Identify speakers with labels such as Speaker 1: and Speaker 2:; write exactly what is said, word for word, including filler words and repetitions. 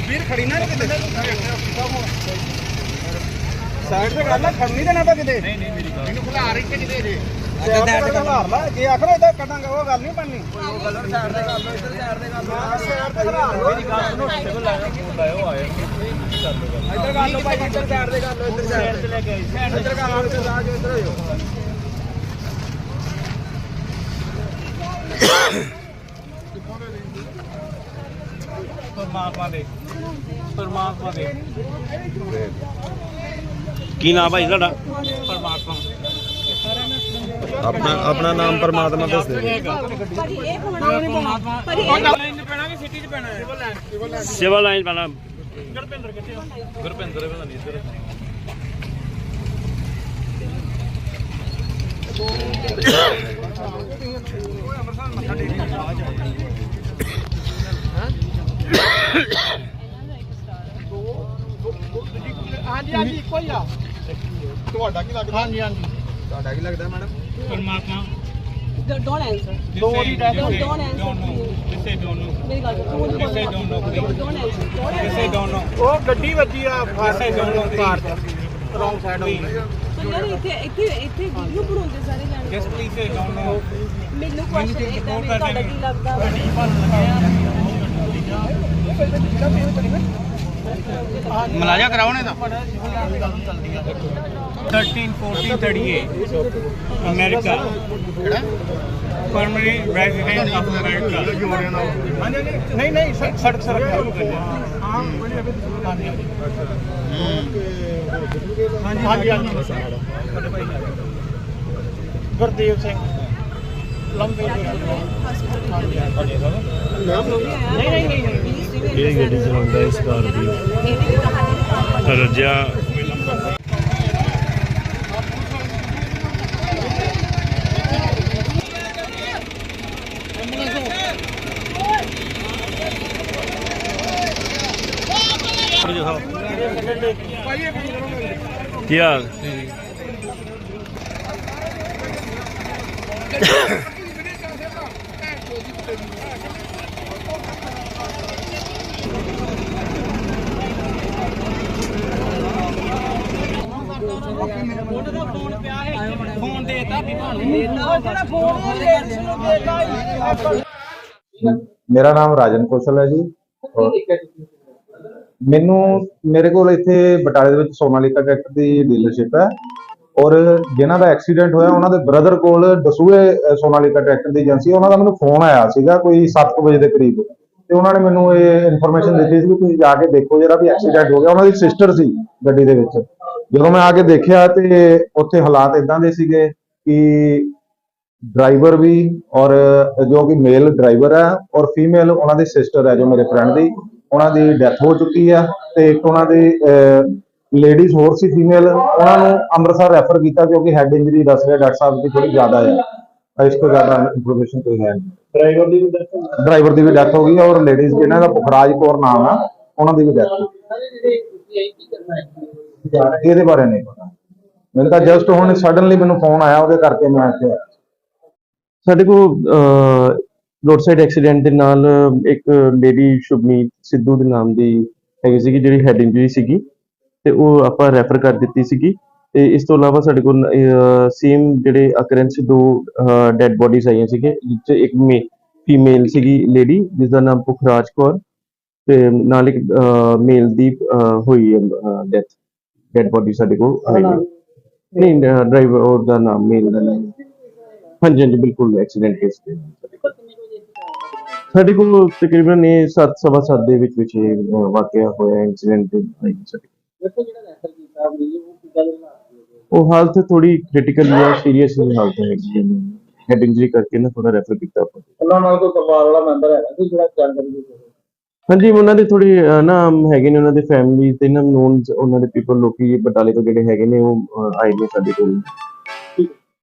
Speaker 1: ਵੀਰ ਖੜੀ ਨਾ ਕਿਤੇ ਸਾਈਡ ਤੇ ਗੱਲ ਖੜਨੀ ਦੇਣਾ ਤਾਂ ਕਿਤੇ ਨਹੀਂ ਨਹੀਂ ਮੇਰੀ ਗੱਲ ਇਹਨੂੰ ਖਿਲਾ ਰਹੀ ਕਿ ਕਿਤੇ ਜੇ ਸਾਈਡ ਤੇ ਖਿਲਾ ਲਾ ਜੇ ਆਖਰ ਇਦਾਂ ਕੱਢਾਂਗੇ ਉਹ ਗੱਲ ਨਹੀਂ ਬਣਨੀ ਉਹ ਗੱਲ ਸਾਈਡ ਤੇ ਕਰ ਲਓ ਇੱਧਰ ਸਾਈਡ ਤੇ ਕਰ ਲਓ ਸਾਈਡ ਤੇ ਖਿਲਾ ਲਓ ਮੇਰੀ ਗੱਲ ਨੂੰ ਟੇਬਲ ਲਾਇਆ ਫੋਨ ਲਾਇਓ ਆਇਆ ਇੱਧਰ ਕਰ ਲਓ ਭਾਈ ਇੱਧਰ ਸਾਈਡ ਤੇ ਕਰ ਲਓ ਇੱਧਰ ਸਾਈਡ ਤੇ ਲੈ ਕੇ ਆਈ ਇੱਧਰ ਕਰ ਲਓ ਇੱਧਰ ਆ ਜਾਓ ਇੱਧਰ ਹੋ परमात्मा दे परमात्मा दे
Speaker 2: की नाम भाई साडा
Speaker 1: परमात्मा
Speaker 3: अपना अपना नाम परमात्मा दस दे
Speaker 2: सिविल लाइन पैना
Speaker 1: गुरपिंदर किथे गुरपिंदर पता नहीं इधर ਹਾਂਜੀ ਹਾਂਜੀ ਇੱਕੋ ਹੀ ਆ ਤੁਹਾਡਾ ਕੀ ਲੱਗਦਾ ਹਾਂਜੀ ਹਾਂਜੀ ਤੁਹਾਡਾ ਕੀ ਲੱਗਦਾ ਮੈਡਮ ਪਰਮਾਤਮਾ
Speaker 4: Don't answer.
Speaker 1: ਦੋ ਦੀ ਡੈਥ
Speaker 4: Don't, don't answer.
Speaker 1: ਕਿਸੇ ਡੋਨਟ ਨੋ
Speaker 4: ਮੇਰੀ ਗੱਲ ਸੁਣੋ।
Speaker 1: ਕਿਸੇ don't no
Speaker 4: Don't answer. Don't
Speaker 1: ਕਿਸੇ
Speaker 4: answer.
Speaker 1: ਡੋਨਟ ਨੋ ਉਹ ਗੱਡੀ ਵੱਜੀ ਆ ਫਾਸੇ ਡੋਨਟ ਨੋ ਕਾਰ ਚ ਰੋਂਗ ਸਾਈਡ ਹੋ ਗਈ
Speaker 4: So ਯਾਰ ਇੱਥੇ ਇੱਥੇ ਇੱਥੇ ਵੀਡੀਓ ਬਣਾਉਂਦੇ ਸਾਰੇ ਜਾਣੇ।
Speaker 1: ਜਸ ਪਲੀਜ਼ ਸੇ ਡੋਨਟ ਨੋ
Speaker 4: ਮੈਨੂੰ ਕੁਐਸਚਨ ਇਦਾਂ ਵੀ ਤੁਹਾਡਾ ਕੀ ਲੱਗਦਾ ਵਾ?
Speaker 1: ਮਲਾਜਾ ਕਰਾਉਣੇ ਦਾ thirteen fourteen thirty-eight ਅਮਰੀਕਾ ਕਿਹੜਾ ਪਰਮਨੈਂਟ ਰੈਜ਼ੀਡੈਂਟ ਆਫ ਅਮਰੀਕਾ ਨਹੀਂ ਨਹੀਂ ਸੜਕ ਸੜਕ ਹਾਂ ਹਾਂਜੀ ਹਾਂਜੀ ਗੁਰਦੇਵ ਸਿੰਘ ਲੰਬੇ ਨਹੀਂ ਨਹੀਂ ਨਹੀਂ
Speaker 2: ये गड्डी चलाਉਂਦਾ ਇਸ ਕਾਰ ਦੀ ਰਜਾ ਕੀ ਹਾਲ
Speaker 1: ਫੋਨ ਦੇਤਾ ਵੀ ਤੁਹਾਨੂੰ
Speaker 4: ਜਿਹੜਾ ਫੋਨ ਲੇਡੀਜ਼ ਨੂੰ ਦੇਤਾ
Speaker 3: मेरा नाम राजन कौशल है जी और ਮੈਨੂੰ ਮੇਰੇ ਕੋਲ ਇੱਥੇ ਬਟਾਲੇ ਦੇ ਵਿੱਚ ਸੋਨਾਲੀਕਾ ਟਰੈਕਟਰ ਦੀ ਡੀਲਰਸ਼ਿਪ ਹੈ ਔਰ ਜਿਨ੍ਹਾਂ ਦਾ ਐਕਸੀਡੈਂਟ ਹੋਇਆ ਉਹਨਾਂ ਦੇ ਬ੍ਰਦਰ ਕੋਲ ਦਸੂਏ ਸੋਨਾਲੀਕਾ ਟਰੈਕਟਰ ਦੀ ਏਜੰਸੀ ਉਹਨਾਂ ਦਾ ਮੈਨੂੰ ਫੋਨ ਆਇਆ ਸੀਗਾ ਕੋਈ ਸੱਤ ਵਜੇ ਦੇ ਕਰੀਬ ਤੇ ਉਹਨਾਂ ਨੇ ਮੈਨੂੰ ਇਹ ਇਨਫੋਰਮੇਸ਼ਨ ਦਿੱਤੀ ਸੀ ਕਿ ਤੁਸੀਂ ਜਾ ਕੇ ਦੇਖੋ ਜਿਹੜਾ ਵੀ ਐਕਸੀਡੈਂਟ ਹੋ ਗਿਆ ਉਹਨਾਂ ਦੀ ਸਿਸਟਰ ਸੀ ਗੱਡੀ ਦੇ ਵਿੱਚ ਜਦੋਂ ਮੈਂ ਆ ਕੇ ਦੇਖਿਆ ਤੇ ਉੱਥੇ ਹਾਲਾਤ ਇਦਾਂ ਦੇ ਸੀਗੇ ਕਿ ਡਰਾਈਵਰ ਵੀ ਔਰ ਜੋ ਕਿ ਮੇਲ ਡਰਾਈਵਰ ਹੈ ਔਰ ਫੀਮੇਲ ਉਹਨਾਂ ਦੀ ਸਿਸਟਰ ਹੈ ਜੋ ਮੇਰੇ ਫਰੈਂਡ ਦੀ ਉਹਨਾਂ ਦੀ ਡੈਥ ਹੋ ਚੁੱਕੀ ਆ ਤੇ ਇੱਕ ਉਹਨਾਂ ਦੀ ਲੇਡੀਜ਼ ਹੋਰ ਸੀ ਫੀਮੇਲ ਉਹਨਾਂ ਨੂੰ ਅੰਮ੍ਰਿਤਸਰ ਰੈਫਰ ਕੀਤਾ ਕਿਉਂਕਿ ਹੈਡ ਇੰਜਰੀ ਦੱਸ ਰਿਹਾ ਡਾਕਟਰ ਸਾਹਿਬ ਦੀ ਥੋੜੀ ਜ਼ਿਆਦਾ ਹੈ ਇਸ ਤੋਂ ਜ਼ਿਆਦਾ ਇਨਫੋਰਮੇਸ਼ਨ ਕੋਈ ਹੈ ਡਰਾਈਵਰ ਦੀ ਵੀ ਡਰਾਈਵਰ ਦੀ ਵੀ ਡੈਥ ਹੋ ਗਈ ਔਰ ਲੇਡੀਜ਼ ਜਿਹਨਾਂ ਦਾ ਪੁਖਰਾਜ ਕੌਰ ਨਾਮ ਆ ਉਹਨਾਂ ਦੀ ਵੀ ਡੈਥ ਹੋ ਗਈ ਇਹਦੇ ਬਾਰੇ ਨਹੀਂ ਪਤਾ ਮੈਨੂੰ ਤਾਂ ਜਸਟ ਹੁਣ ਸਡਨਲੀ ਮੈਨੂੰ ਫੋਨ ਆਇਆ ਉਹਦੇ ਕਰਕੇ ਮੈਂ ਇੱਥੇ ਆਇਆ
Speaker 5: ਸਾਡੇ ਕੋਲ ਰੋਡ ਸਾਈਡ ਐਕਸੀਡੈਂਟ ਦੇ ਨਾਲ ਇੱਕ ਲੇਡੀ ਸ਼ੁਭਨੀਤ ਸਿੱਧੂ ਦੇ ਨਾਮ ਦੀ ਹੈਗੀ ਸੀਗੀ ਜਿਹੜੀ ਹੈਡ ਇੰਜਰੀ ਸੀਗੀ ਤੇ ਉਹ ਆਪਾਂ ਰੈਫਰ ਕਰ ਦਿੱਤੀ ਸੀਗੀ ਤੇ ਇਸ ਤੋਂ ਇਲਾਵਾ ਸਾਡੇ ਕੋਲ ਸੇਮ ਜਿਹੜੇ ਅਕਰੈਂਸ ਦੋ ਡੈਡ ਬੋਡੀਜ਼ ਆਈਆਂ ਸੀਗੇ ਜਿਸ 'ਚ ਇੱਕ ਮੇ ਫੀਮੇਲ ਸੀਗੀ ਲੇਡੀ ਜਿਸ ਦਾ ਨਾਮ ਪੁਖਰਾਜ ਕੌਰ ਤੇ ਨਾਲ ਇੱਕ ਮੇਲ ਦੀ ਹੋਈ ਡੈਥ ਡੈਡ ਬੋਡੀ ਸਾਡੇ ਕੋਲ ਆਈ ਨਹੀਂ ਡਰਾਈਵਰ ਔਰ ਦਾ ਨਾਮ ਮੇਲ ਦਾ ਨਾਮ ਹਾਂਜੀ ਹਾਂਜੀ ਬਿਲਕੁਲ ਐਕਸੀਡੈਂਟ ਕੇਸ ਤੇ ਸਾਡੇ ਕੋਲ ਤਕਰੀਬਨ ਇਹ ਸੱਤ ਸਵਾ ਸੱਤ ਦੇ ਵਿੱਚ ਵਿੱਚ ਵਾਕਿਆ ਹੋਇਆ ਇੰਸੀਡੈਂਟ ਉਹ ਹਾਲਤ ਥੋੜੀ ਕ੍ਰਿਟੀਕਲ ਜਾਂ ਸੀਰੀਅਸ ਹਾਲਤ ਹੈਗੀ ਹੈਡ ਇੰਜਰੀ ਕਰਕੇ ਨਾ ਥੋੜਾ ਰੈਫਰ ਕੀਤਾ
Speaker 1: ਉਹਨਾਂ ਨਾਲ ਕੋਈ ਪਰਿਵਾਰ ਵਾਲਾ ਮੈਂਬਰ ਹੈਗਾ ਕੋਈ ਜਿਹੜਾ ਜਾਣਕਾਰੀ ਦੇ
Speaker 5: ਹਾਂਜੀ ਉਹਨਾਂ ਦੇ ਥੋੜੀ ਨਾ ਹੈਗੇ ਨੇ ਉਹਨਾਂ ਦੇ ਫੈਮਿਲੀ ਤੇ ਨਾ ਨੋਨ ਉਹਨਾਂ ਦੇ ਪੀਪਲ ਲੋਕੀ ਬਟਾਲੇ ਤੋਂ ਜਿਹੜੇ ਹੈਗੇ ਨੇ ਉਹ ਆਏ ਨੇ ਸਾਡੇ ਕੋਲ